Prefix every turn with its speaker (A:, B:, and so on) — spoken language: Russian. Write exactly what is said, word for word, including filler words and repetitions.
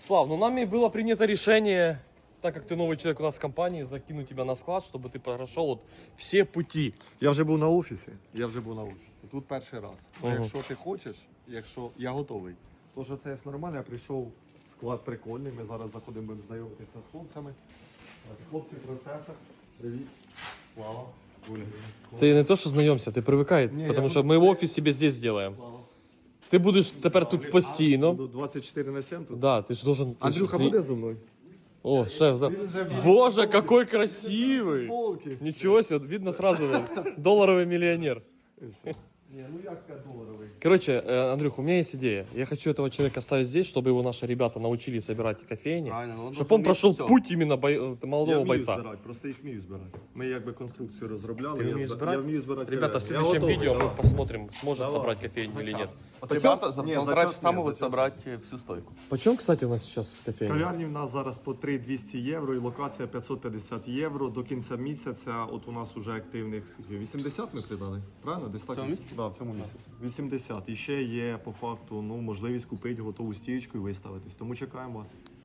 A: Слав, ну нами было принято решение, так как ты новый человек у нас в компании, закинуть тебя на склад, чтобы ты прошел вот все пути.
B: Я вже був на офісі, я вже був на офісі. Тут перший раз. Ну,
A: Ага.
B: якщо ти хочеш, якщо я готовий, то що це нормально, я прийшов, склад прикольний, ми зараз заходимо, будемо знайомитися з хлопцями. Хлопці в процесах. Привіт. Слава. Оля.
A: Ты не то, что знаемся, ты привыкай,
B: Не,
A: потому
B: я
A: что
B: буду-
A: мы в офис себе здесь сделаем.
B: Слава.
A: Ты будешь теперь тут постійно.
B: Буду двадцять чотири на сім тут.
A: Да, ты же должен... ты ж-
B: Андрюха
A: ты-
B: буде зі мною?
A: О, шеф, за-
B: Він вже в
A: Боже, какой красивый!
B: полки.
A: Ничего себе, видно сразу, долларовый миллионер.
B: Ні, ну як сказати доларовий.
A: Короче, э, Андрюх, у меня есть идея. Я хочу этого человека оставить здесь, чтобы его наши ребята научили собирать кофейни.
C: Правильно, ну, он
A: Чтобы
C: должен
A: он прошел
C: уметь всё.
A: путь именно бой- э,
B: Я
A: молодого
B: вмію
A: бойца.
B: збирати, просто їх вмію збирати. Ми якби конструкцію розробляли.
A: Ты
B: я
A: умеешь
B: зб-
A: збирати?
B: Я вмію збирати.
A: Ребята, в
B: кальян.
A: следующем
B: Я готовий,
A: видео мы
B: давай.
A: посмотрим, сможет
B: Давай.
A: собрать кофейню или нет.
C: Вот
B: Почем?
C: ребята за
B: Не, за
C: полтора
B: час
C: часа
B: нет,
C: могут
B: за час
C: собрать э, всю стойку.
A: Почем, кстати, у нас сейчас кофейня?
B: Кав'ярні в нас зараз по три тисячі двісті євро і локація п'ятсот п'ятдесят євро. До кінця місяця от у нас уже активних скільки? вісімдесят ми придали, правильно? Десь так?
C: цьому місяці?
B: Да, в цьому місяці. вісімдесят. І ще є по факту ну, можливість купити готову стієчку і виставитись. Тому чекаємо вас.